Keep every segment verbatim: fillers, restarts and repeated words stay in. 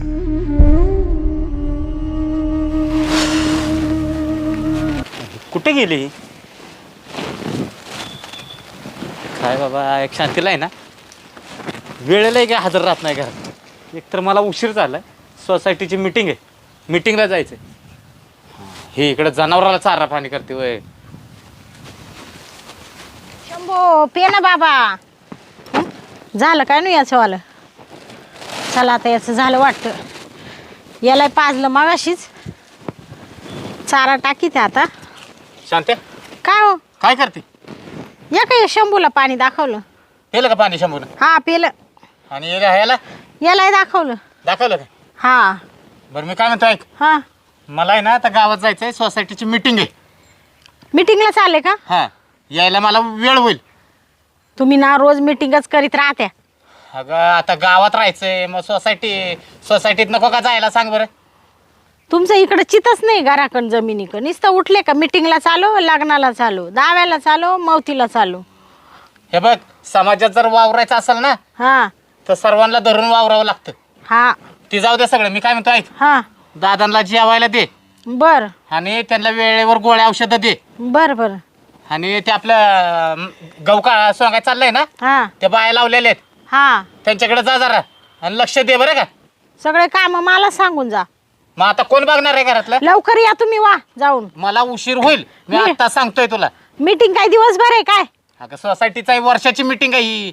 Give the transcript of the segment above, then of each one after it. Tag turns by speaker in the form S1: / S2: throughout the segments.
S1: कुठे गेली काय बाबा? एक शांतीला आहे ना, वेळेलाही काय हजर राहत नाही घरात. एकतर मला उशीर झालाय, सोसायटीची मीटिंग आहे, मीटिंगला जायचंय. हे इकडे जनावराला चारा पाणी करते वय.
S2: शंभो पे ना बाबा. हं? झालं काय नाही याचं वालं. चला आता याचं झालं वाटतं. याला पाजलं मगाशीच, चारा टाकीते आता.
S1: शांत्या
S2: काय हो,
S1: काय करते?
S2: या काय शंभूला पाणी दाखवलं.
S1: पेलं का पाणी शंभून?
S2: हा पेलं.
S1: आणि याला
S2: यालाही दाखवलं.
S1: दाखवलं का?
S2: हा
S1: बरं मी काय म्हणतो ऐक,
S2: हा
S1: मला आहे ना आता गावात जायचंय, सोसायटीची मीटिंग आहे.
S2: मीटिंगला चालले का?
S1: हा, यायला मला वेळ होईल.
S2: तुम्ही ना रोज मीटिंगच करीत राहत्या.
S1: अगं आता गावात राहायचंय, मग सोसायटी सोसायटीत नको का जायला सांग बरं?
S2: तुमचं इकडं चितच नाही घराकडं जमिनीकडं. नुसतं उठले का मीटिंगला चालू, लग्नाला चालू, दाव्याला चालू, मवतीला चालू.
S1: हे बघ, समाजात जर वावरायचं असेल ना
S2: हा
S1: तर सर्वांना धरून वावरावं लागतं.
S2: हा
S1: ती जाऊ दे सगळं. मी काय म्हणतो ऐक,
S2: हा
S1: दादांना जेवायला दे
S2: बर
S1: आणि त्यांना वेळेवर गोळ्या औषधं दे.
S2: बर बर
S1: आणि ते आपलं गहू का सोंगाय चाललंय ना,
S2: हा
S1: ते बाया लावलेले आहेत,
S2: हा
S1: त्यांच्याकडे जा जरा आणि लक्ष दे बरं का.
S2: सगळे काम मला सांगून जा.
S1: मग आता कोण बघणार आहे घरातलं?
S2: लवकर या तुम्ही, वा जाऊन.
S1: मला उशीर होईल, मी
S2: मी-
S1: आता सांगतोय तुला.
S2: मीटिंग काय दिवसभर आहे काय?
S1: अगं सोसायटीचा वर्षाची मीटिंग आहे ही.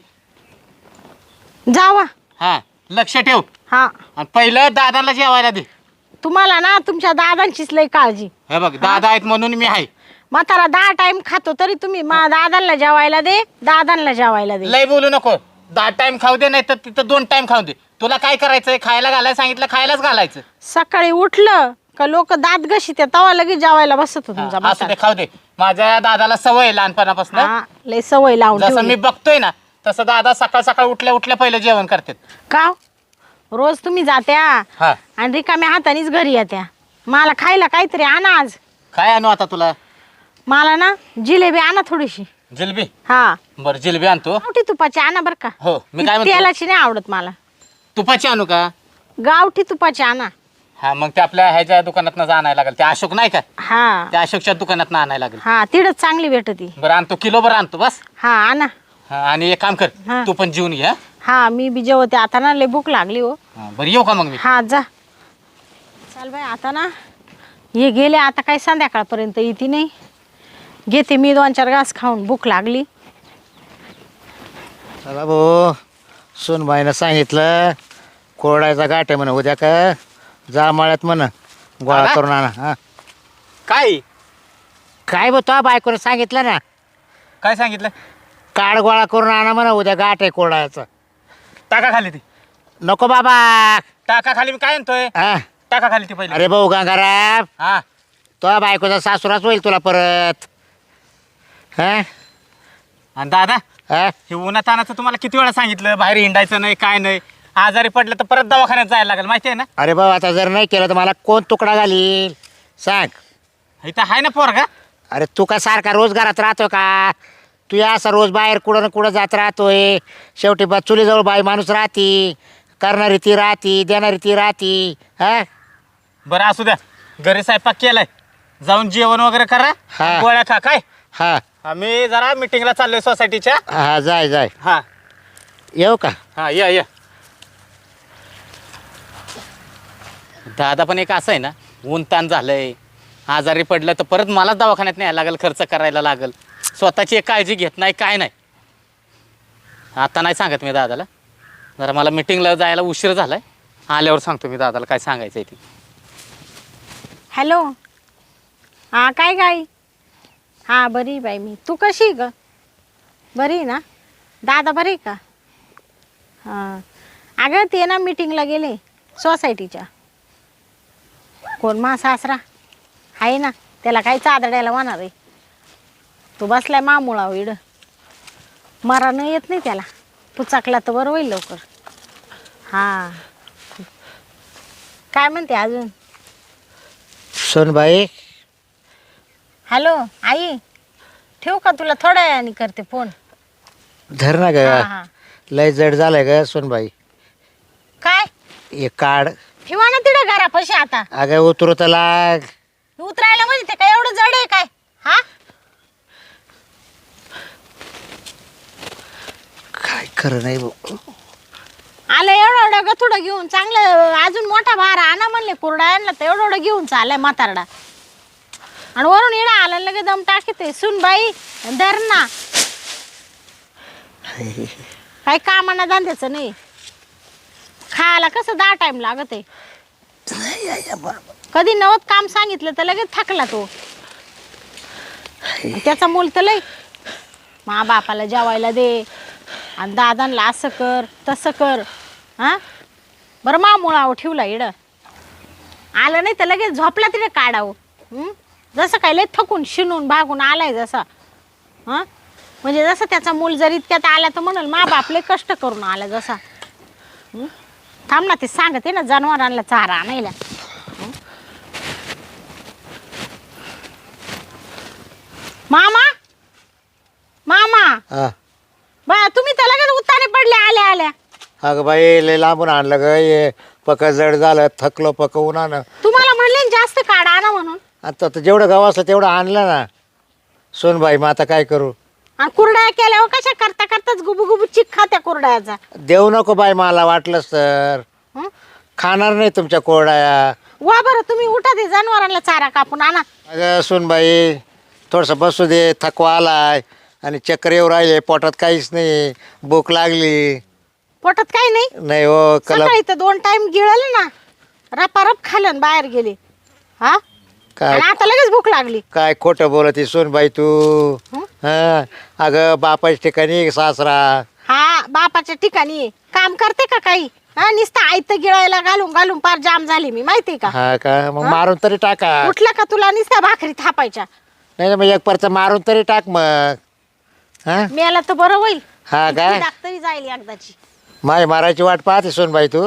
S2: जावा.
S1: हा, लक्ष ठेव.
S2: हा
S1: आणि पहिलं दादाला जेवायला दे.
S2: तुम्हाला ना तुमच्या दादांचीच लय काळजी.
S1: हे बघ, दादा आहेत म्हणून मी आहे.
S2: म्हातारा दहा टाइम खातो तरी तुम्ही मा दादांना जेवायला दे, दादांना जेवायला दे.
S1: लय बोलू नको. दहा टाइम खाऊ दे, नाही तर तिथं दोन टाइम खाऊ दे. तुला काय करायचंय? खायला घालायला सांगितलं, खायलाच घालायचं.
S2: सकाळी उठलं का लोक दात घशी त्या तवा लगेच जेवायला बसत तुमचा
S1: हा, असू
S2: म्हातारा.
S1: दे, खाऊ दे. माझ्या दादाला सवय आहे लहानपणापासून.
S2: हा लय सवय लावून
S1: जसं
S2: ठेवली.
S1: मी बघतोय ना तसं दादा सकाळ सकाळ उठल्या उठल्या पहिलं जेवण करतात.
S2: का रोज तुम्ही जात्या
S1: हा,
S2: आणि रिकाम्या हातानेच घरी येत्या. मला खायला काहीतरी आणा आज.
S1: काय आणू आता तुला?
S2: मला ना जिलेबी आणा थोडीशी.
S1: जिलेबी?
S2: हा
S1: बरं, जिलेबी आणतो.
S2: गावठी तुपाची आणा बर का.
S1: हो, मी
S2: ती
S1: काय म्हणतो,
S2: तेलाची नाही आवडत मला.
S1: तुपाची आणू का?
S2: गावठी तुपाची आणा.
S1: हा, मग ते आपल्या ह्याच्या दुकानात आणायला लागेल. ते अशोक नाही का,
S2: हा
S1: त्या अशोकच्या दुकानात आणायला लागेल.
S2: हा तिडच चांगली भेटती.
S1: बरं आणतो, किलो बरं आणतो बस.
S2: हा आणा.
S1: हा, आणि एक काम कर,
S2: हा.
S1: तू पण जेवून घे. हा?
S2: हा मी बी जेवते आता ना, लय भूक लागली हो.
S1: हा, बरं येऊ का मग मी?
S2: हा जा. चाल बाई आता ना, हे गेले आता काही संध्याकाळपर्यंत येते नाही. घेते मी दोन चार घास खाऊन, भूक लागली.
S3: चला भाऊ, सोनबाईनं सांगितलं कोरडायचा गाठ आहे म्हणा, उद्या का जा मळ्यात म्हणा गोळा
S1: हा?
S3: करून आणा. हा
S1: काय
S3: काय बघ, तो बायकोनं सांगितलं ना,
S1: काय सांगितलं?
S3: काड गोळा करून आणा म्हणा, उद्या गाठ आहे कोरडायचा.
S1: टाका खाली ती,
S3: नको बाबा.
S1: टाका खाली. मी काय आणतोय?
S3: हा
S1: टाका खाली ती पहिले.
S3: अरे भाऊ गंगाराम,
S1: हा,
S3: तो बायकोचा सासूराच होईल तुला परत. हा
S1: आणि दादा,
S3: हा
S1: हे उन्हातानाचं तुम्हाला किती वेळा सांगितलं बाहेर हिंडायचं नाही, काय नाही. आजारी पडलं तर परत दवाखान्यात जायला लागेल, माहिती आहे ना.
S3: अरे भाऊ, आता जर नाही केलं तर मला कोण तुकडा घालील सांग.
S1: इथं आहे ना पोरगा.
S3: अरे तू का सारखा रोज घरात राहतो का? तू या असा रोज बाहेर कुठं ना कुठं जात राहतोय. शेवटी बा चुलीजवळ बाई माणूस राहती, करणारी ती राहती, देणारी ती राहती. हा
S1: बरं असू द्या, घरी स्वयंपाक केलाय, जाऊन जेवण वगैरे करा,
S3: हा.
S1: गोळ्या खा. काय,
S3: हा
S1: आम्ही जरा मिटिंगला चाललोय सोसायटीच्या.
S3: हा जाय जाय.
S1: हा
S3: येऊ का?
S1: हा, या या. दादा पण एक असं आहे ना, ऊन ताण झालंय, आजारी पडलं तर परत मलाच दवाखान्यात न्यायला लागेल, खर्च करायला लागेल. स्वतःची एक काळजी घेत नाही, काय नाही. आता नाही सांगत मी दादाला, जरा मला मिटिंगला जायला उशीर झालाय. आल्यावर सांगतो मी दादाला काय सांगायचं आहे ते.
S2: हॅलो. हा काय गाई? हा बरी आहे बाई मी. तू कशी आहे ग? बरी आहे ना? दादा बरी आहे का? हां अगं ते ना मीटिंगला गेले सोसायटीच्या. कोण मा सासरा आहे ना, त्याला काही चादड्याला होणार आहे. तू बसलाय मामुळा इड, मरानं येत नाही त्याला. पुचाकला तर बरं होईल लवकर. हां काय म्हणते अजून?
S3: सोनबाई,
S2: हॅलो आई, ठेवू का? तुला थोड्या वेळाने करते फोन.
S3: धर ना ग,
S2: हा, हा.
S3: लय जड झालंय ग सोनबाई.
S2: काय?
S3: हे काढ
S2: ठेवा ना तिकडे घरापाशी आता.
S3: अगं उतरू तर लाग.
S2: उतरायला म्हणजे ते काय एवढं जड आहे काय? हा
S3: काय खरं नाही भाऊ.
S2: आलं एवढं एवढं गथुडं घेऊन चांगलं अजून मोठा भार आणा म्हणले कुरडा आणला तर एवढं एवढं घेऊन चाललाय म्हातारडा. आणि वरून येणं आलं लगे दम टाकीते सुन बाई धर ना. काही कामाना धंद्याचं नाही. खायला कसं दहा टाइम लागत आहे. कधी नवत काम सांगितलं तर लगेच थकला तो. त्याचा मूल तर लय मा बापाला जेवायला दे आणि दादांना असं कर तसं कर. हा बरं मा मुळावं ठेवला इड आलं नाही तर लगेच झोपला तिथे काढावं. जसं काय लय थकून शिनून भागून आलाय जसा. हा म्हणजे जसं त्याचा मूल जर इतक्यात आला तर म्हणाल मा बापले कष्ट करून आला जसा. थांब ना ते सांगते ना जनावरांना चारा आणायला. मामा मामा
S3: हा
S2: बा तुम्ही तर लगेच उत्ताने पडले आल्या आल्या.
S3: अगं बाई लय लांबून आणलं ग. ये पक जड झालं थकलो पक उन्हानं.
S2: तुम्हाला म्हणले ना जास्त काढा आणा म्हणून.
S3: आता तर जेवढं गाव असलं तेवढं आणलं ना सोनबाई. मग आता काय करू.
S2: आणि कुरड्या केल्यावर कशा करता करताच गुबू गुबू चिक खात्या कुरड्याचा.
S3: देऊ नको बाई मला वाटलंच तर.
S2: हं?
S3: खाणार नाही तुमच्या कोरड्या.
S2: वा बरं तुम्ही उठा ते जनावरांना चारा कापून आणा.
S3: अगं सोनबाई थोडंसं बसू दे. थकवा आलाय आणि चक्कर येऊ राहिले. पोटात काहीच नाही. भूक लागली
S2: पोटात काही नाही.
S3: नाही हो कला.
S2: सकाळी तर दोन टाइम गिळले ना रपारप खाल्लं बाहेर गेले. हा
S3: काय
S2: आणि आता लगेच भूक लागली.
S3: काय खोटं बोलती सोनबाई तू.
S2: हं?
S3: हा अगं बापाच्या ठिकाणी सासरा.
S2: हा बापाच्या ठिकाणी आहे. काम करते का काही. हा नुसतं आयतं गिळायला घालून घालून पार जाम झाली मी माहितीये का.
S3: हा का मग मारून तरी टाका.
S2: उठलं का तुला नुसत्या भाकरी थापायच्या.
S3: नाही ना मग एक परत मारून तरी टाक मग. हा
S2: मेला तर बरं होईल.
S3: हा काय
S2: डॉक्टरी जाईल एकदाची.
S3: माय मारायची वाट पाहते सोनबाई तू.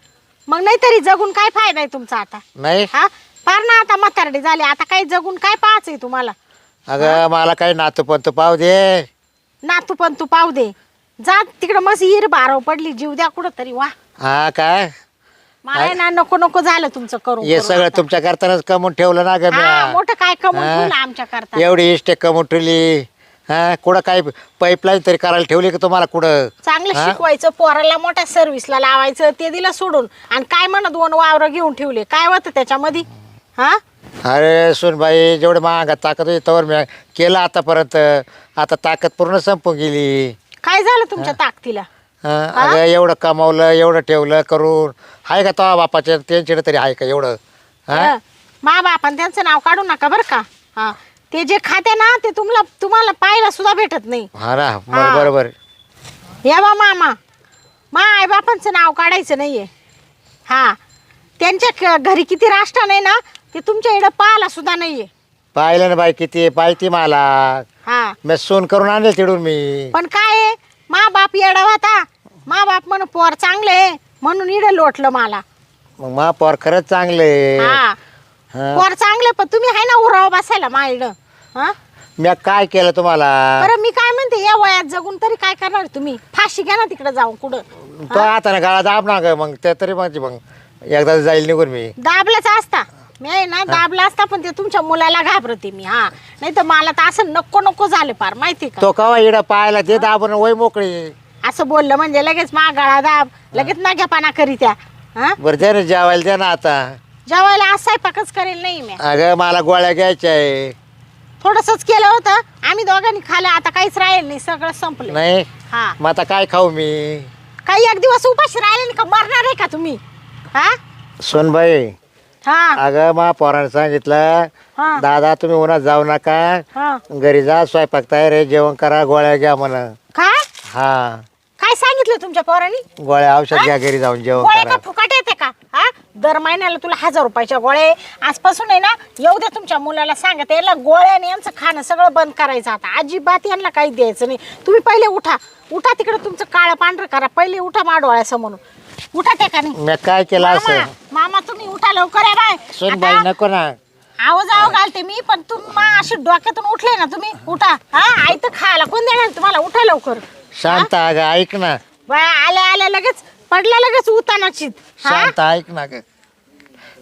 S2: मग नाही तरी जगून काय फायदा आहे तुमचा आता.
S3: नाही
S2: हा फार ना आता म्हातारडी झाली आता काही जगून काय पाहायचं आहे तुम्हाला.
S3: अगं मला काही नातू पण तू पाहू दे.
S2: नातू पण तू पाहू दे. जा तिकडं मस्त हिर बारव पडली जीव द्या कुठं तरी. वा
S3: हा काय
S2: मला ना नको नको झालं तुमचं करून
S3: हे
S2: करून
S3: सगळं
S2: आता.
S3: तुमच्या करतानाच कमवून ठेवलं ना ग
S2: हा,
S3: म्या.
S2: मोठं काय कमवून
S3: हा?
S2: ठेवलं आमच्या करता.
S3: एवढी इष्टे कमवून ठेवली. हा कुठं काही पाईपलाईन तरी करायला ठेवली का तुम्हाला कुठं.
S2: चांगलं
S3: हा?
S2: शिकवायचं पोराला मोठ्या सर्व्हिसला लावायचं ते दिलं सोडून आणि काय म्हणत दोन वावर घेऊन ठेवले काय होतं त्याच्यामध्ये. हा
S3: अरे सोनबाई जेवढे महागात ताकद होती तवर मी केलं आतापर्यंत. आता ताकद पूर्ण संपून गेली.
S2: काय झालं तुमच्या ताकदीला.
S3: हा, अगं एवढं कमावलं एवढं ठेवलं करून आहे का तो बापाच्या त्यांच्याकडे तरी आहे का एवढं. हा
S2: मा बापान त्यांचं नाव काढू नका बरं का. हा ते जे खाते ना ते तुम्हाला तुम्हाला पाहायला सुद्धा भेटत नाही.
S3: हा ना बरं बरोबर.
S2: या बा मामा मा आई बापांचं नाव काढायचं नाहीये. हा त्यांच्या क- घरी किती राष्ट्र नाही ना ते तुमच्या इकडं पाहायला सुद्धा नाहीये.
S3: पाहिलं ना बाई किती पाहिती मला.
S2: हा
S3: मी सोन करून आणले तिडून मी.
S2: पण काय आहे, मा बाप येडा होता. मा बाप म्हण पोर चांगले म्हणून इडं लोटलं मला.
S3: मग मा पोर खरंच चांगले.
S2: हा
S3: हा.
S2: पोर चांगले पण तुम्ही आहे ना उराव बसायला मा इडं. हा
S3: मी काय केलं तुम्हाला.
S2: बरं मी काय म्हणते या वयात जगून तरी काय करणार तुम्ही. फाशी घ्या ना तिकडे जाऊन कुठं.
S3: तो आता ना गाळा दाब ना ग मग ते तरी माझी मग एकदा जाईल निघून मी.
S2: दाबलाच असता मी आहे ना दाबला असता पण ते तुमच्या मुलाला घाबरते मी. हा नाही तर मला तर असं नको नको झालं फार माहिती का.
S3: तो कवा इडं पाहायला ते दाबून वय मोकळी.
S2: असं बोललं म्हणजे लगेच मागाळा दाब लगेच नाग्यापाना करी त्या. हा
S3: बरं दे ना जेवायला दे ना आता.
S2: जेवायला आज स्वयंपाकच करेल नाही मी.
S3: अगं मला गोळ्या घ्यायच्या आहे.
S2: थोडंसंच केलं होतं आम्ही दोघांनी खाल्लं आता काहीच राहील नाही सगळं संपलं.
S3: नाही
S2: हा
S3: मग आता काय खाऊ मी.
S2: काही एक दिवस उपाशी राहिले नाही का मरणार आहे का तुम्ही. हा
S3: सोनबाई
S2: हा
S3: अगं मा पोराने सांगितलं
S2: हा
S3: दादा तुम्ही उन्हात जाऊ नका
S2: हा
S3: घरी जा स्वयंपाक तयार आहे जेवण करा गोळ्या घ्या म्हणा.
S2: काय
S3: हा
S2: काय सांगितलं तुमच्या पोरांनी.
S3: गोळ्या औषध घ्या घरी जाऊन जेवण
S2: गोळ्या
S3: करा.
S2: का फुकट येते का. हा दर महिन्याला तुला हजार रुपयाच्या गोळ्या आजपासून आहे ना येऊ द्या तुमच्या मुलाला सांगत याला गोळ्याने यांचं खाणं सगळं बंद करायचं आता अजिबात यांना काही द्यायचं नाही. तुम्ही पहिले उठा उठा तिकडे तुमचं काळं पांढरं करा पहिले उठा मा डोळ्यासमोरून उठा त्या का नाही.
S3: मी काय केलं
S2: मामा
S3: असं.
S2: मामा तुम्ही उठा लवकर आहे बाय.
S3: सोनबाई
S2: आता
S3: नको ना.
S2: आवाज आव घालते मी पण तुम्ही अशी डोक्यातून उठले ना तुम्ही उठा. हा आई तर खायला कोण देणार तुम्हाला उठा लवकर.
S3: शांत अगं ऐक ना.
S2: बाय आल्या आल्या लगेच पडला लगेच उतानाची.
S3: शांत ऐक ना ग.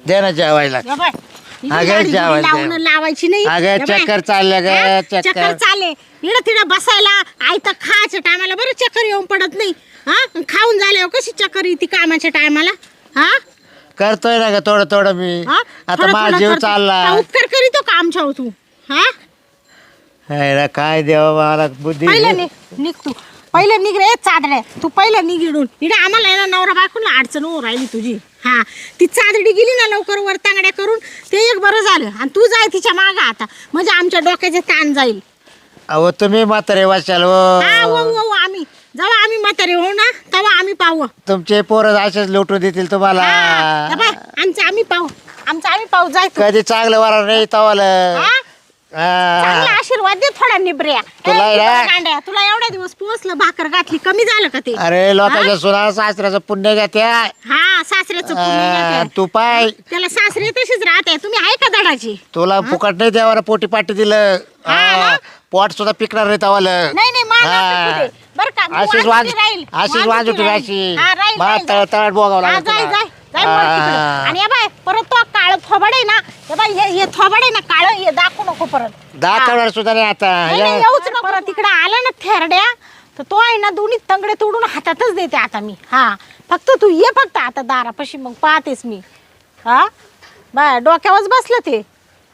S3: दे ना जेवायला.
S2: या बाय, इकडे
S3: अगं,
S2: गाडी
S3: जेवायला
S2: बिडी लावून
S3: दे.
S2: लावायची नाही.
S3: अगं,
S2: या बाय.
S3: चक्कर चालल्या ग,
S2: हा?
S3: चक्कर.
S2: चक्कर चालले इकडं तिकडं बसायला आयतं खायच्या टायमाला बरं चक्कर येऊन पडत नाही. हा खाऊन झाल्यावर कशी चक्कर येते कामाच्या टायमाला. हा
S3: करतोय ना ग थोडं थोडं मी.
S2: हा?
S3: आता
S2: थोडं
S3: माझा
S2: थोडं
S3: जीव
S2: करतो.
S3: चालला.
S2: का उपकार करीतो का आमच्यावर तू. हा
S3: हाय ना, काय देवा मला बुद्धी.
S2: पहिलं निघ निघ तू पहिलं निघ रे चादड्या. तू पहिलं निघिडून इकडे आम्हाला आहे ना नवरा बायकोला अडचण हो राहिली तुझी. हा ती चादडी गेली ना लवकर वर तांगड्या करून ते एक बरं झालं. आणि तू जाय तिच्या मागं आता म्हणजे आमच्या डोक्याचे ताण जाईल.
S3: अहो तुम्ही म्हातारे वाचाल
S2: हा
S3: हो.
S2: हो हो आम्ही जेव्हा आम्ही म्हातारे होऊ ना तेव्हा आम्ही पाहू.
S3: तुमचे पोरं असेच लुटून देतील तुम्हाला.
S2: हा, हे पाह्य, आमचं आम्ही पाहू आमचं आम्ही पाहू जाय तू.
S3: कधी चांगलं वारा नाही तवाला.
S2: हा? चांगला आशीर्वाद दे थोडा निबऱ्या.
S3: तुला
S2: ए,
S3: ना-
S2: निबऱ्या गांड्या, तुला एवढ्या दिवस पोचलं भाकर घातली कमी झालं का ते.
S3: अरे लोकांच्या सुना सासऱ्याचं पुण्य घ्या.
S2: हा सासऱ्याचं पुण्य घ्या.
S3: तू पाय
S2: त्याला सासरे तशीच राहते. तुम्ही आहे का दडाची.
S3: तुला फुकट नाही द्यावा पोटी पाटी दिलं.
S2: हा ना?
S3: हा, पोट सुद्धा पिकणार नाही तवाला.
S2: नाही नाही मान असं कुठे. बरं का मी
S3: अशीच वाज
S2: वाजवती राहील.
S3: अशीच
S2: वाजवती
S3: वाज होती
S2: राहील.
S3: अशी
S2: हा, राहील,
S3: मला
S2: राहील,
S3: तळ
S2: राहील.
S3: तळात बोगावं
S2: हा,
S3: लागत
S2: जाय
S3: तुला.
S2: जाय जाय वर तिकडं.
S3: हा.
S2: आणि या बाय परत तो काळ थोबड आहे ना हे बाय हे हे थोबड आहे ना काळ हे दाखवू नको परत.
S3: दाखवणार सुद्धा नाही आता.
S2: नाही, नाही, येऊच नको परत तिकडे आला ना थेरड्या तर तो आहे ना दोन्ही तंगडे तोडून हातातच देते आता मी. हा फक्त तू ये फक्त आता दारापाशी मग पाहतेस मी. हा बाय डोक्यावरच बसलं ते.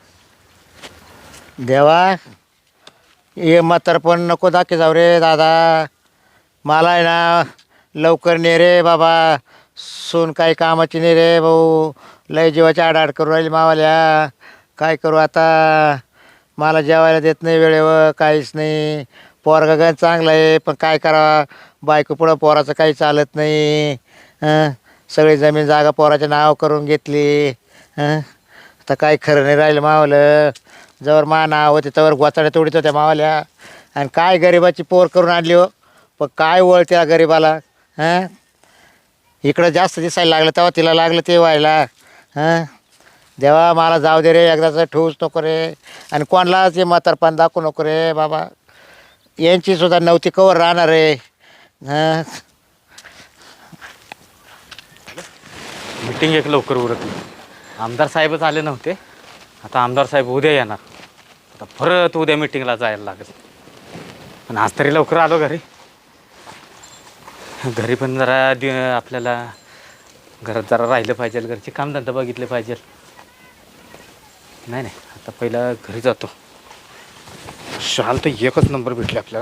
S3: देवा ये म्हातारपण नको दाखे जाऊ रे दादा. मला आहे ना लवकर ने रे बाबा. सून काही कामाची नाही रे भाऊ. लय जीवाची आडाआड करू राहिली मावाल्या. काय करू आता. मला जेवायला देत नाही वेळेवर काहीच नाही. पोरगा गण चांगला आहे पण काय करावा बायको पुढं पोराचं काही चालत नाही. हं सगळी जमीन जागा पोराच्या नाव करून घेतली. हं आता काय खरं नाही राहिलं मावलं. जवळ मा नाव होते त्यावर गोचाड्या तोडीत होत्या मावाल्या. आणि काय गरिबाची पोर करून आणली हो. पण काय वळ त्या गरिबाला. हां इकडं जास्त दिसायला लागलं तेव्हा तिला लागलं ते व्हायला. हां देवा मला जाऊ दे रे एकदाचं ठेवूच नको रे. आणि कोणालाच हे म्हातारपण दाखवू नको रे बाबा. यांची सुद्धा नव्हती कवर राहणार रे. हां
S1: मीटिंग एक लवकर उरकली. आमदार साहेबच आले नव्हते. आता आमदार साहेब उद्या येणार. आता परत उद्या मीटिंगला जायला लागेल. पण आज तरी लवकर आलो घरी. घरी पण जरा दि आपल्याला घरात जरा राहिलं पाहिजे. घरचे कामधंदा बघितले पाहिजे. नाही नाही आता पहिला घरी जातो. शाल तर एकच नंबर भेटले आपल्याला.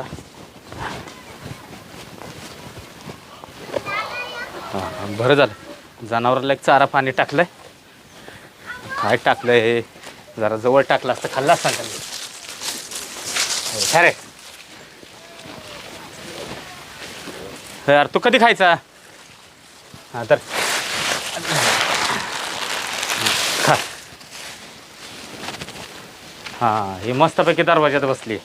S1: हां बरं झालं जनावराला एक चारा पाणी टाकलंय. काय टाकलंय हे जरा जवळ टाकलं असतं खाल्ला असता त्यांनी. अरे यार तू कधी खायचा. हां तर खा. हां हे मस्तपैकी दरवाज्यात बसली.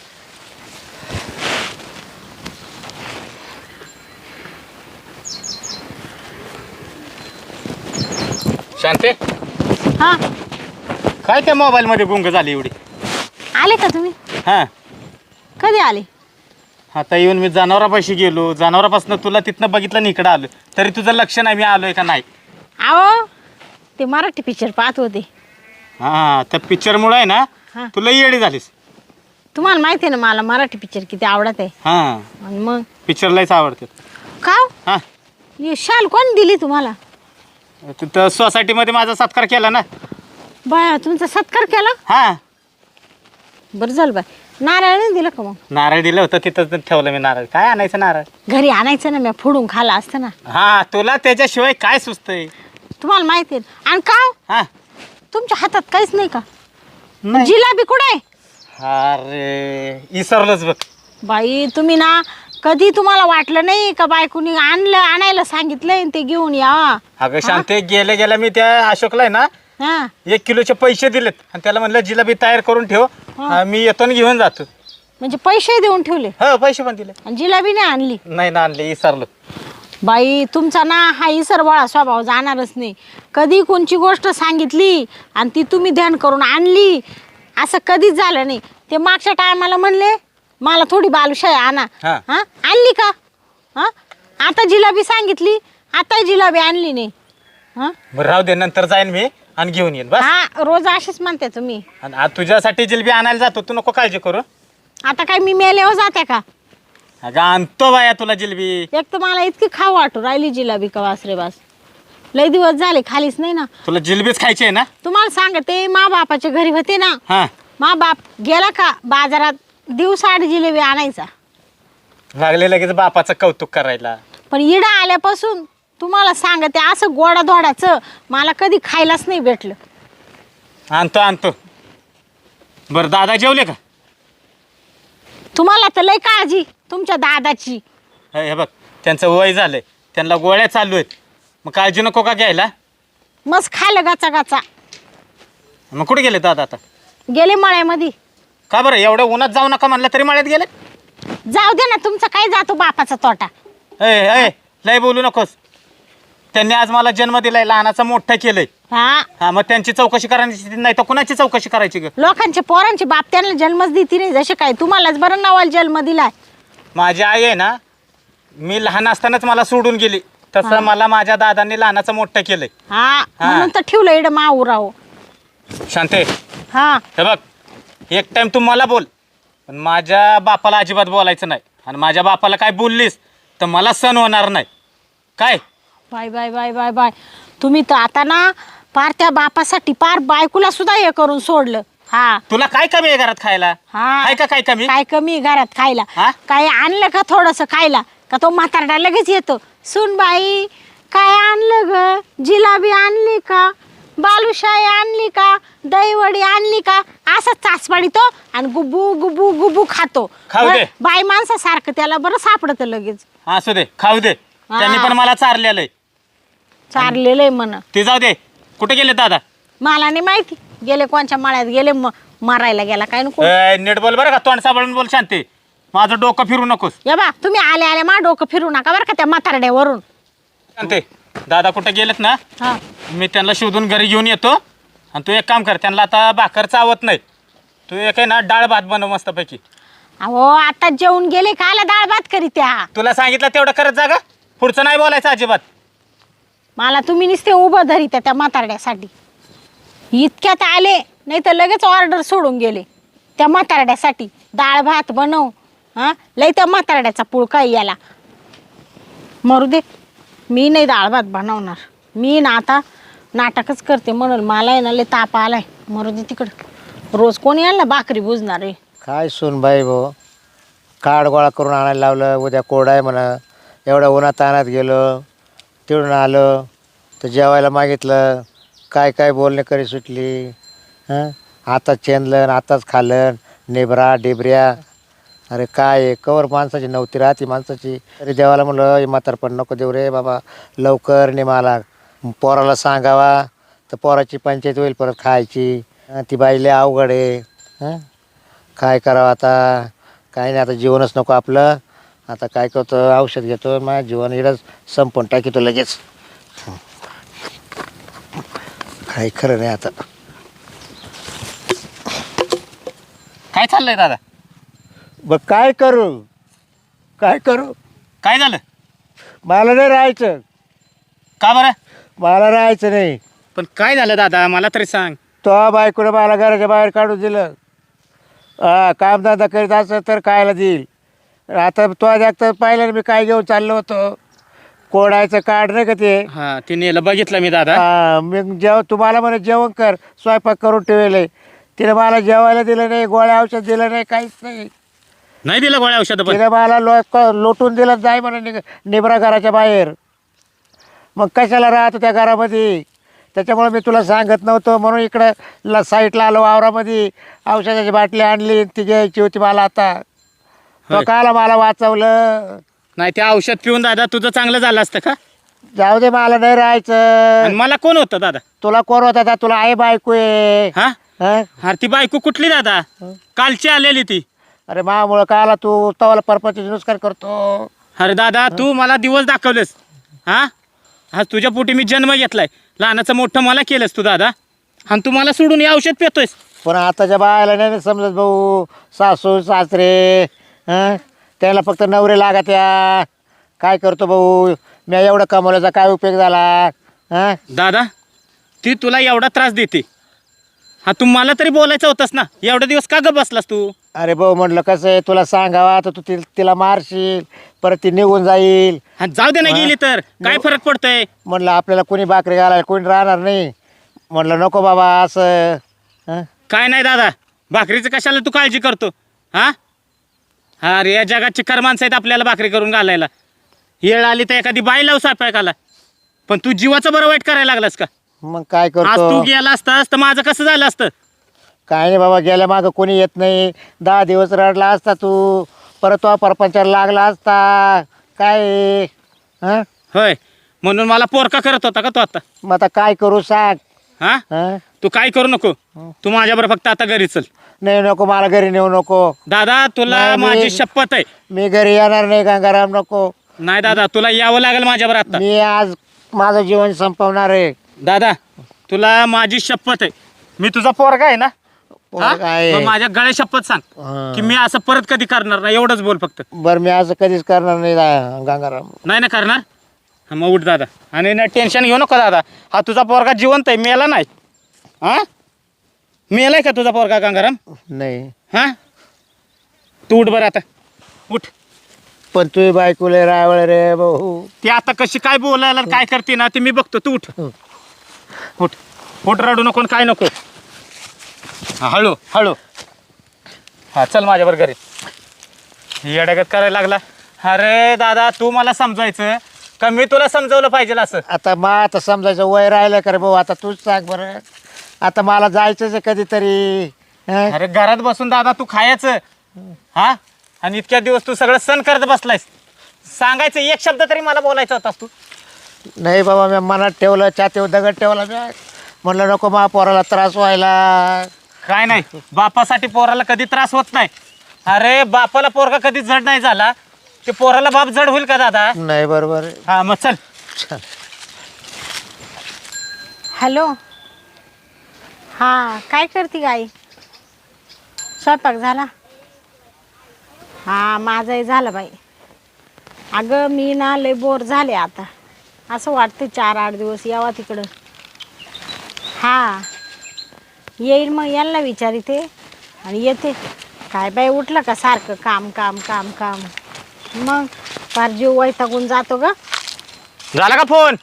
S1: शांते
S2: हा
S1: काय त्या मोबाईलमध्ये गुंग झाली एवढी.
S2: आले का तुम्ही.
S1: हां
S2: कधी आले.
S1: आता येऊन मी जनावरापाशी गेलो. जनावरापासून तुला तिथनं बघितलं आणि इकडं आलो तरी तुझं लक्ष नाही मी आलोय का नाही.
S2: अहो ते मराठी पिक्चर पाहत होते.
S1: हां त्या पिक्चरमुळे आहे ना
S2: हां
S1: तुला येडी झालीस.
S2: तुम्हाला माहिती आहे ना मला मराठी पिक्चर किती आवडत आहे.
S1: हां
S2: आणि मग
S1: पिक्चर लयच आवडते.
S2: का
S1: हां
S2: ही शाल कोण दिली तुम्हाला.
S1: तिथं सोसायटीमध्ये माझा सत्कार केला ना.
S2: बाया तुमचा सत्कार केला.
S1: हां
S2: बरं झालं बाय. नारळ नाही दिलं का मग.
S1: नारळ दिलं होतं तिथं ठेवलं मी नारळ. काय आणायचं नारळ.
S2: घरी आणायचं ना मी फोडून खाला असतं ना.
S1: हां तुला त्याच्याशिवाय काय सुचतंय.
S2: तुम्हाला माहिती आहे आणि का
S1: हां
S2: तुमच्या हातात काहीच नाही का.
S1: नाही.
S2: जिलाबी कुठे आहे.
S1: अरे विसरलोच बघ.
S2: बाई तुम्ही ना कधी तुम्हाला वाटलं नाही का बायकोनी आणलं आणायला सांगितलंय आणि ते घेऊन या.
S1: अगं शांते गेल्या गेल्या मी त्या अशोकला आहे ना
S2: हा
S1: एक किलोचे पैसे दिलेत आणि त्याला म्हणलं जिलेबी तयार करून ठेव. हा, मी येतो आणि घेऊन जातो.
S2: म्हणजे पैसे देऊन ठेवले
S1: हो पैसे पण दिले.
S2: आणि जिलाबी नाही आणली.
S1: नाही ना आणले विसरलो.
S2: बाई तुमचा ना हा इसरवाळा स्वभाव जाणारच नाही. कधी कोणची गोष्ट सांगितली आणि ती तुम्ही ध्यान करून आणली असं कधीच झालं नाही. ते मागच्या टायमाला म्हणले मला थोडी बालुशाही आणा.
S1: हा.
S2: हा आणली का. हा आता जिलाबी सांगितली आता जिलाबी आणली नाही. हा
S1: बरं राहू दे, नंतर जाईन मी आणि घेऊन येईन बस.
S2: हा रोज अशीच म्हणते तुम्ही.
S1: आणि आज तुझ्यासाठी जिलबी आणायला जातो, तू नको काळजी करू.
S2: आता काय मी मेल्यावर जाते का?
S1: अगं आणतो बाया तुला जिलबी.
S2: एक तर मला इतकी खाऊ वाटू राहिली जिलाबी का वासरे बास. लय दिवस झाले खालीच नाही ना.
S1: तुला जिलबीच खायची आहे ना?
S2: तुम्हाला सांगते मा बापाच्या घरी होते ना,
S1: हा
S2: मा बाप गेला का बाजारात दिवसाआड जिलेबी आणायचा.
S1: लागले लगेच बापाचं कौतुक करायला.
S2: पण इडा आल्यापासून तुम्हाला सांगते असं गोडा धोडाचं मला कधी खायलाच नाही भेटलं.
S1: आणतो आणतो. बरं दादा जेवले का?
S2: तुम्हाला तर लय काळजी तुमच्या दादाची.
S1: हे हे बघ, त्यांचं वय झालंय, त्यांना गोळ्या चालू आहेत, मग काळजी नको का घ्यायला?
S2: मस्त खायला गाचा गाचा.
S1: मग कुठे गेले दादा आता?
S2: गेले मळ्यामध्ये.
S1: का बरं एवढं उन्हात जाऊ नका म्हणलं तरी मळ्यात गेले?
S2: जाऊ दे ना, तुमचा काय जातो बापाचा तोटा.
S1: ए ए लय बोलू नकोस. त्यांनी आज मला जन्म दिलाय, लहानाचा मोठा केलंय.
S2: हा
S1: हा मग त्यांची चौकशी करायची नाही तर कुणाची चौकशी करायची ग?
S2: लोकांचे पोरांचे बाप त्यांना जन्मच देती नाही, जसे काय तुम्हालाच बरं नावाला जन्म दिलाय.
S1: माझी आई आहे ना, मी लहान असतानाच मला सोडून गेली, तसं मला माझ्या दादांनी लहानाचं मोठं केलंय.
S2: हा म्हणून तर ठेवलं इड माऊराव.
S1: शांते
S2: हा
S1: हे बघ, एक टाइम तू मला बोल, पण माझ्या बापाला अजिबात बोलायचं नाही. आणि माझ्या बापाला काय बोललीस तर मला सण होणार नाही. काय
S2: bye bye bye bye bye. तुम्ही तर आता ना पार त्या बापासाठी पार बायकोला सुद्धा हे करून सोडलं. हा
S1: तुला काय कमी आहे घरात खायला?
S2: हा
S1: आहे का काय कमी?
S2: काय कमी आहे घरात खायला?
S1: हा?
S2: काय आणलं का थोडस खायला का तो म्हातारडा लगेच येतो, सुन बाई काय आणलं ग, जिलाबी आणली का, बालुशाही आणली का, दहीवडी आणली का, असा चाचपाडी तो आणि गुबू गुबू गुबू खातो.
S1: खाऊ दे.
S2: बाई माणसासारखं त्याला बरं सापडत लगेच.
S1: असू दे, खाऊ दे.
S2: हा.
S1: त्यांनी पण मला चारलेलं आहे.
S2: चारलेलं आहे म्हण.
S1: ते जाऊ दे. कुठे गेले दादा?
S2: मला नाही माहिती गेले कोणच्या मळ्यात गेले, म मरायला गेला काय नको.
S1: ए, नीट बोल बरं का, तोंड साबळून बोल शांती. माझं डोकं फिरू नकोस.
S2: या बा तुम्ही आले आले मा डोकं फिरू नका बरं का त्या म्हातारड्यावरून.
S1: शांती दादा कुठे गेलेत ना,
S2: हा
S1: मी त्यांना शोधून घरी घेऊन येतो. आणि तू एक काम कर, त्यांना आता भाकर चावत नाही, तू एक आहे ना डाळ भात बनव मस्तपैकी.
S2: अहो आता जेवून गेले का आला डाळ भात करी त्या.
S1: तुला सांगितलं तेवढं करत जा ग, पुढचं नाही बोलायचं अजिबात.
S2: मला तुम्ही नुसते उभं धरी त्या त्या म्हातारड्यासाठी. इतक्यात आले नाही तर लगेच ऑर्डर सोडून गेले त्या म्हातारड्यासाठी. डाळ भात बनव. हा लय त्या म्हातारड्याचा पुळका याला. मरू दे, मी नाही डाळ भात बनवणार. मी ना आता नाटकच करते म्हणून मला आहे ना लय ताप आलाय. मरू दे तिकडं, रोज कोणी आणलं भाकरी बुजणार आहे.
S3: काय सून बाई भाऊ, काड गोळा करून आणायला लावलं, उद्या कोरडा आहे म्हणा. एवढ्या उन्हात तानात गेलो, तिकडून आलो तर जेवायला मागितलं, काय काय बोलणे करी सुटली. हां आताच चेंदलं आताच खाल्लं, नेबरा डेबऱ्या. अरे काय आहे, कवर माणसाची नव्हती राहती माणसाची. अरे देवाला म्हणलं हे म्हातारपण नको देऊ रे बाबा, लवकर ने मला. पोराला सांगावा तर पोराची पंचायत होईल परत खायची. हं, ती बाई लय अवघड आहे. हां काय करावं आता, काय नाही आता जीवनच नको आपलं. आता काय करतो, औषध घेतो, माझं जीवन इडंच संपून टाकीतो लगेच. काय खरं नाही आता.
S1: काय चाललंय दादा?
S3: बघ काय करू काय करू
S1: काय झालं?
S3: मला नाही राहायचं,
S1: का बरं?
S3: मला राहायचं नाही.
S1: पण काय झालं दादा, मला तरी सांग.
S3: तो बायकोनं मला घराच्या बाहेर काढून दिलं. हा कामधंदा करीत असं तर कायला देईल. आता तो जागत पाहिलं ना मी काय घेऊन चाललो होतो, कोडायचं कार्ड नाही का ते.
S1: हा ते नेलं बघितलं मी दादा.
S3: हा मी जेव तुम्हाला म्हणे जेवण कर, स्वयंपाक करून ठेवले. तिने मला जेवायला दिलं नाही, गोळ्या औषध दिलं नाही, काहीच नाही.
S1: नाही दिलं गोळ्या औषध पण?
S3: तिने मला लो लोटून दिलं, जाय म्हणे निघ निबरा घराच्या बाहेर. मग कशाला राहतो त्या घरामध्ये, त्याच्यामुळे मी तुला सांगत नव्हतं म्हणून इकडं ला साईडला आलो वावरामध्ये. औषधाची बाटली आणली, ती घ्यायची होती मला. आता तो काला मला वाचवलं.
S1: नाही ते औषध पिऊन दादा तुझं चांगलं झालं असतं का?
S3: जाऊ दे, मला नाही राहायचं.
S1: आणि मला कोण होतं दादा?
S3: तुला कोण होता आता, तुला आई बायको आहे.
S1: हा
S3: हं?
S1: अरे ती बायको कुठली दादा? कालची आलेली ती.
S3: अरे मामुळं काला तू तवाला परपंचाचे नुसकान करतो.
S1: अरे दादा तू मला दिवस दाखवलेस. हा आज तुझ्या पोटी मी जन्म घेतलाय, लहानाचं मोठं मला केलंस तू दादा, आणि तू मला सोडून हे औषध पितोयस.
S3: पण आताच्या बायाला नाही समजत भाऊ. सासू सासरे हं त्याला फक्त नवरे लागत्या. काय करतो भाऊ, मी एवढं कमवल्याचा काय उपयोग झाला. हा
S1: दादा ती तुला एवढा त्रास देते हा तू मला तरी बोलायचं होतंस ना एवढा दिवस का ग बसलास तू
S3: अरे भाऊ म्हटलं कसं आहे तुला सांगावा तर तू ति तिला मारशील परत ती निघून जाईल.
S1: हा जाऊ दे ना गेली तर काय फरक पडतोय.
S3: म्हटलं आपल्याला कोणी भाकरी घालायला कोणी राहणार नाही. म्हटलं नको बाबा असं. हं?
S1: काय नाही दादा भाकरीचं कशाला तू काळजी करतो हा हा रे या जगाची कर माणसं आहेत आपल्याला भाकरी करून घालायला. येळ आली तर एखादी बाई लावू स्वयंपाकाला पण तू जीवाचं बरं वाईट करायला लागलास का.
S3: मग काय
S1: आज तू
S3: करतो.
S1: गेला असतास तर माझं कसं झालं असतं.
S3: काय नाही बाबा गेल्या मागं कोणी येत नाही. दहा दिवस रडला असता तू परत तो परपंचाला लागला असता काय आहे? हं?
S1: होय म्हणून मला पोरका करत होता का तू आता.
S3: मग आता काय करू सांग.
S1: हा
S3: हं?
S1: तू काय करू नको तू माझ्याबरोबर फक्त आता घरी चल.
S3: नाही नको मला घरी नेऊ नको.
S1: दादा तुला
S3: नाही, मी-
S1: माझी शपथ आहे.
S3: मी घरी येणार नाही गंगाराम नको.
S1: नाही दादा तुला यावं लागेल माझ्याबरोबर आता.
S3: मी आज माझं जीवन संपवणार आहे.
S1: दादा तुला माझी शपथ आहे मी तुझा पोरगा आहे ना. हा?
S3: काय
S1: मग माझ्या गळ्या शपथ सांग
S3: हं.
S1: की मी असं परत कधी करणार नाही एवढंच बोल फक्त.
S3: बरं मी असं कधीच करणार नाही दा- गंगाराम.
S1: नाही ना करणार हा मग उठ दादा आणि ना टेन्शन घेऊ नको दादा हा तुझा पोरगा जिवंत आहे मेला नाही. हा मेलाय का तुझा पोरगा गंगाराम.
S3: नाही
S1: हा तू उठ बरं आता उठ.
S3: पण तुझी बायकोले रावळ रे भाऊ.
S1: ती आता कशी काय बोलायला आणि काय करते ना ते मी बघतो तू उठ उठ उठ रडू नको आणि काय नको. हा, हळू हळू हा चल माझ्यावर घरी येड्यागत करायला लागला. अरे दादा तू मला समजायचं का मी तुला समजवलं पाहिजे असं.
S3: आता मा आता समजायचं वय राहिलं का रे भाऊ. आता तूच सांग बरं. आता मला जायचंच आहे कधीतरी. हं?
S1: अरे घरात बसून दादा तू खायचं हा आणि इतक्या दिवस तू सगळं सण करत बसलायस. सांगायचं एक शब्द तरी मला बोलायचा होतास तू.
S3: नाही बाबा मी मनात ठेवलं छातीवर दगड ठेवला मी. म्हणलं नको मा पोराला त्रास व्हायला.
S1: काय नाही बापासाठी पोराला कधी त्रास होत नाही. अरे बापाला पोरगा कधी जड नाही झाला ते पोराला बाप जड होईल का दादा.
S3: नाही बरोबर आहे.
S1: हा मग चल.
S2: हॅलो हां काय करते गाई स्वयंपाक झाला. हां माझंही झालं बाई. अगं मी ना लय बोर झाले आता. असं वाटतं चार आठ दिवस यावा तिकडं. हां येईल मग यांना विचारिते आणि येते. काय बाई उठलं का सारखं काम काम काम काम मग फार जीव वैतागून जातो ग.
S1: झाला का फोन.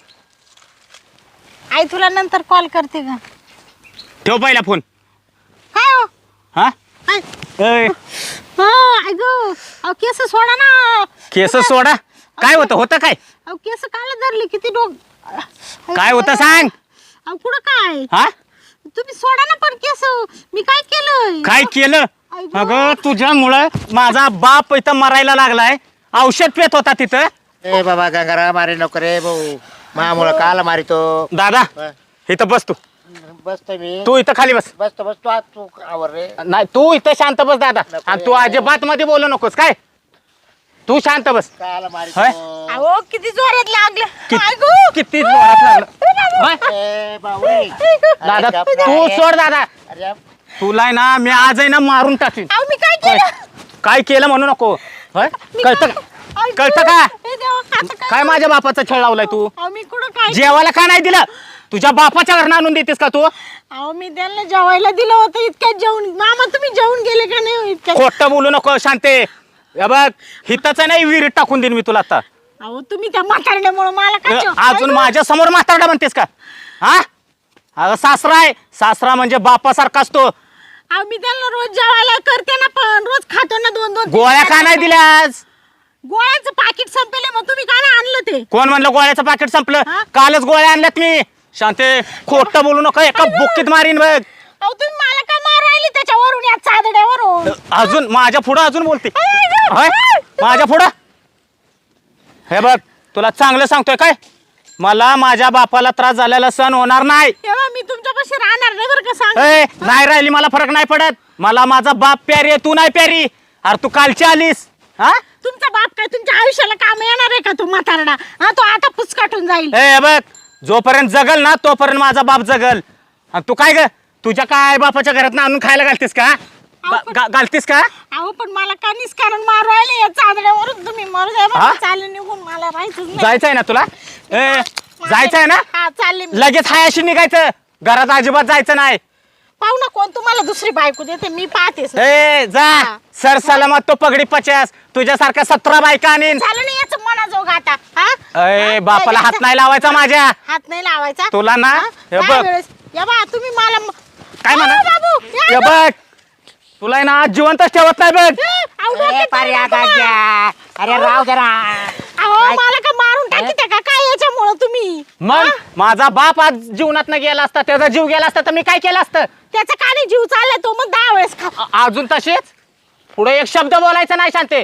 S2: आई तुला नंतर कॉल करते का.
S1: ठेव पहिला फोन.
S2: काय हो
S1: हा
S2: आई
S1: ए,
S2: हा अगं अहो केस सोडा ना.
S1: केस सोडा. काय होतं होतं काय
S2: अहो केस काला धरले किती डोक.
S1: काय होतं सांग.
S2: अहो पुढं काय
S1: हा
S2: तुम्ही सोडा ना पण केस. मी काय केलं
S1: काय केलं.
S2: अगं.
S1: अगं तुझ्यामुळं माझा बाप इथं मरायला लागलाय. औषध पेत होता तिथं.
S3: ए बाबा गंगाराम मारे नको रे भाऊ. मामुळं काला मारितो.
S1: दादा इथं बस तू
S3: बसतो मी.
S1: तू इथं खाली बस.
S3: बसतो बसतो आज तू आवर रे.
S1: नाही तू इथं शांत बस दादा आणि तू अजिबात मध्ये बोलू नकोस काय. तू शांत बस.
S3: काला मारितो.
S1: होय?
S2: अहो किती जोरात लागलं.
S1: कित-
S2: अगो.
S1: किती जोरात लागलं. होय?
S3: ए बावळी.
S1: दादा
S3: अरे गप
S1: तू
S3: रे.
S1: सोड दादा.
S3: अरे
S1: तुला आहे ना मी आज आहे ना मारून टाकीन.
S2: अहो मी काय
S1: होय.
S2: केलं.
S1: काय केलं म्हणू नको. होय
S2: मी
S1: कळतं
S2: काय-
S1: का
S2: अगो.
S1: कळतं का
S2: हे देवा, आता
S1: काय माझ्या बापाचा छळ लावलाय तू.
S2: अहो मी कुठं काय
S1: जेवायला का नाही दिलं. तुझ्या बापाच्या घरनं आणून देतेस का तू.
S2: अहो मी त्यांना जेवायला दिलं होतं इतक्यात जेवण. मामा तुम्ही जेवून गेले का नाही हो इतक्यात.
S1: खोटं बोलू नको शांते. हे बघ हिताच नाही विहिरीत टाकून देईन मी तुला आता.
S2: अहो तुम्ही त्या म्हातारड्यामुळे मला काय जेव-
S1: अजून
S2: अगो.
S1: माझ्या समोर म्हातारडा म्हणतेस का. हा अगं सासरा आहे. सासरा म्हणजे बापासारखा असतो.
S2: अहो मी त्यांना रोज जेवायला करते ना पण रोज खातो ना दोन दोन
S1: गोळ्या का नाही दिल्यास.
S2: गोळ्याचं पाकिट संपले मग तुम्ही काय नाही आणलं ते.
S1: कोण म्हणलं गोळ्याचं पाकिट संपलं.
S2: हा?
S1: कालच गोळ्या आणल्यात मी. शांते खोटं बोलू नका एका बुक्कीत मारीन बघ.
S2: अहो तुम्ही मला का मार राहिले त्याच्यावरून या चादड्यावरून.
S1: अजून माझ्या पुढं अजून बोलते. होय माझ्या पुढं. हे बघ तुला चांगलं सांगतोय काय मला माझ्या बापाला त्रास झालेला सण होणार नाही.
S2: तेव्हा मी तुमच्यापाशी राहणार नाही बरं का सांग.
S1: ए, नाही राहिली मला फरक नाही पडत. मला माझा बाप प्यारी आहे तू नाही प्यारी. अरे तू कालची आलीस. हा
S2: तुमचा बाप काय तुमच्या आयुष्याला काम येणार आहे का तो म्हातारडा. हा तो आता पुचकाटून जाईल.
S1: ए बघ जोपर्यंत जगल ना तोपर्यंत माझा बाप जगल. आणि तू काय ग तुझ्या काय बापाच्या घरात आणून खायला घालतेस का गा- गा- घालतेस का.
S2: अहो पण मला का निस्कारण मार राहिले या चादड्यावरून तुम्ही मरू द्या
S1: हा?
S2: बरं. चालेल निघून मला राहायचंच नाही.
S1: जायचंय ना तुला. ए जायचंय ना?
S2: हा चालले मी.
S1: लगेच हायाशी निघायचं, घरात अजिबात जायचं नाही.
S2: पाहू ना कोण तुम्हाला दुसरी बायको देते, मी पाहतेच.
S1: ए जा
S2: हा.
S1: सर सलामत तो पगडी पचास, तुझ्यासारख्या सतरा बायका आणीन.
S2: झालं नाही याचं मनाजोग आता. हा?
S1: अय
S2: हा?
S1: बापाला हात नाही लावायचा माझ्या.
S2: हात नाही लावायचा
S1: तुला ना,
S2: हा?
S1: हे बघ.
S2: त्यावेळेस- या बा तुम्ही मला म-
S1: काय म्हणा?
S2: अहो, बाबू
S1: हे
S2: या ना.
S1: बघ, तुला आहे ना आज जिवंतच ठेवत नाही बघ.
S2: ए, अहो, डोक्यात
S3: पारे
S2: जाऊ नका
S3: आता
S2: बा.
S3: घ्या. अरे राव जरा.
S2: अहो मला का मारून टाकीते का काय याच्यामुळं तुम्ही?
S1: मग माझा बाप आज जीवनात न गेला असता, त्याचा जीव गेला असता तर मी काय केलं असतं?
S2: त्याचा का नाही जीव चाललाय तो मग दहा वेळेस खा.
S1: अ- अजून तसेच पुढे एक शब्द बोलायचा नाही शांते.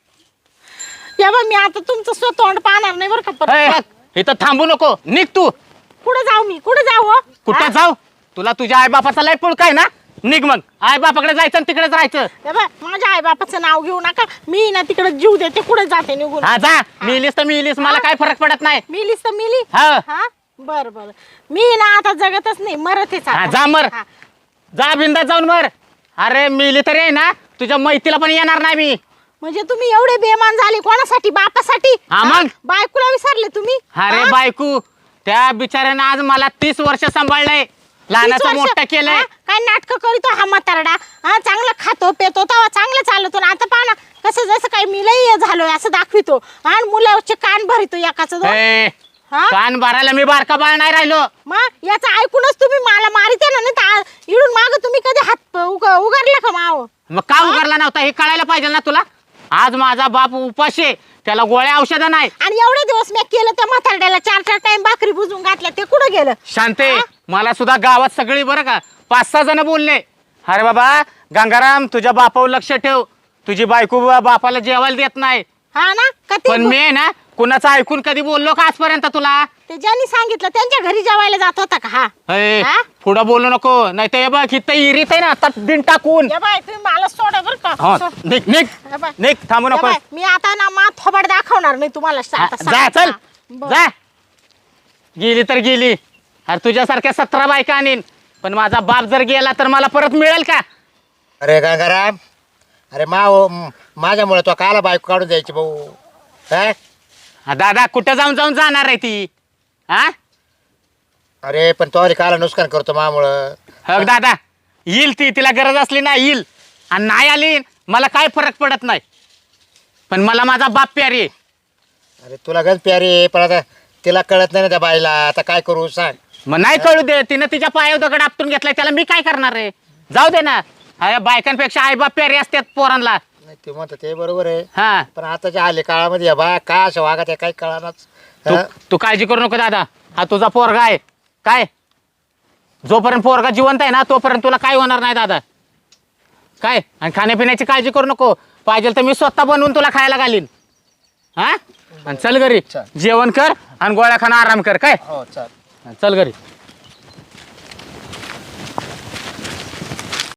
S2: या बा मी आता तुमचं स्वतः तोंड पाहणार नाही बरं का
S1: हे,
S2: परत.
S1: इथं थांबू नको, निघ तू.
S2: कुठे जाऊ मी कुठे जाऊ हो?
S1: कुठं
S2: हा?
S1: जाऊ? तुला तुझ्या आई बापाचा लय पुळ काय ना? निघ मग, आई बापाकडे जायचं आणि तिकडेच राहायचं.
S2: या बा, माझ्या आई बापाचं नाव घेऊ नका. मी ना तिकडे जीव देते कुठे जाते निघून.
S1: हा जा, मिलीस तर मिलीस, मला काय फरक पडत नाही.
S2: मिलीस तर मिली.
S1: हा.
S2: हा बर बर मी ना आता जगतच नाही मरतेच
S1: हा,
S2: आता.
S1: जा मर.
S2: हा.
S1: जा बिंदात जाऊन मर. अरे मिली तरी आहे ना, तुझ्या मैतीला पण येणार नाही मी.
S2: म्हणजे तुम्ही एवढे बेमान झाले कोणासाठी? बापासाठी?
S1: हा, मग?
S2: हा? बायकोला विसरले तुम्ही?
S1: अरे
S2: हा?
S1: बायकू, त्या बिचाऱ्यानं आज मला तीस वर्ष सांभाळलंय,
S2: तीस
S1: लहानाचं
S2: वर्ष?
S1: मोठं केलंय.
S2: हा? काय नाटक करीतो हा म्हातारडा? हा चांगलं खातो पेतो तेव्हा चांगलं चालतो ना आता पहा ना कसं जसं काही मी लई झालोय असं दाखवितो. आणि मुलाचे कान भरितो एकाचं दोन.
S1: ए,
S2: हा?
S1: कान भरायला मी बारका बाळ नाही राहिलो.
S2: मग याचं ऐकूनच तुम्ही मला मारिते ना, नाही तर इडून माग तुम्ही कधी हात उग उगारला का माव?
S1: मग का उगारला नव्हता हे कळायला पाहिजे ना तुला. आज माझा बाप उपाशी आहे, त्याला गोळ्या औषधं नाही.
S2: आणि एवढे दिवस मी केलं त्या म्हातारड्याला चार चार टाइम भाकरी बुजून घातल्या, ते कुठं गेलं?
S1: शांते,
S2: हा?
S1: मला सुद्धा गावात सगळी बरं का पाच सहा जण बोलले, अरे बाबा गंगाराम तुझ्या बापावर लक्ष ठेव, तुझी बायको बा- बापाला जेवायला देत नाही.
S2: हा ना का ते
S1: पण मी आहे ना कुणाचं ऐकून कधी बोललो का आजपर्यंत तुला?
S2: ते ज्यांनी सांगितलं त्यांच्या घरी जेवायला जात होता का? हा
S1: ए,
S2: हा?
S1: पुढं बोलू नको, नाही तर बघ इथं इरीत आहे ना आता बिन टाकून.
S2: या बाय तुम्ही मला सोडा बरं का.
S1: हा,
S2: सोड.
S1: निघ निघ
S2: या बाय.
S1: निघ, थांबू
S2: या
S1: नको.
S2: बाय, मी आता ना मा थोबाड दाखवणार नाही तुम्हाला.
S1: हा,
S2: आता
S1: जा
S2: सांग.
S1: चल
S2: हा, बरं.
S1: जा. गेली तर गेली, अरे तुझ्यासारख्या सतरा बायका आणीन, पण माझा बाप जर गेला तर मला परत मिळेल का?
S3: अरे गंगाराम, अरे मा माझ्यामुळे तो काला बायको काढून द्यायची भाऊ. काय
S1: हा, दादा कुठं जाऊन जाऊन जाणार आहे ती? हा
S3: अरे पण तो काला नुकसान करतो मामुळं.
S1: हो दादा, येईल ती, तिला गरज असली ना येईल, आणि नाही आली मला काय फरक पडत नाही, पण मला माझा बाप प्यारी आहे.
S3: अरे तुला गंज प्यारी आहे, पण आता तिला कळत नाही ना त्या बाईला. आता काय करू सांग.
S1: मग नाही कळू दे, तिनं तिच्या पायावर दगड आपटून घेतलाय, त्याला मी काय करणार आहे? जाऊ दे ना. अरे बायकांपेक्षा आई बाप प्यारी असतात पोरांना.
S3: नाही ते म्हणतात ते बरोबर आहे,
S1: हा
S3: पण आताच्या आले काळामध्ये या बा का अशा वागत आहे काही कळानाच.
S1: तू तू काळजी करू नको दादा, हा तुझा पोरगा आहे. काय जोपर्यंत पोरगा जिवंत आहे ना तोपर्यंत तुला काय होणार नाही दादा. काय आणि खाण्यापिण्याची काळजी करू नको, पाहिजे तर मी स्वतः बनवून तुला खायला घालीन. हा आणि चल घरी
S3: चल.
S1: जेवण कर आणि गोळ्या खाणं आराम कर. काय
S3: हो चाल.
S1: चल घरी.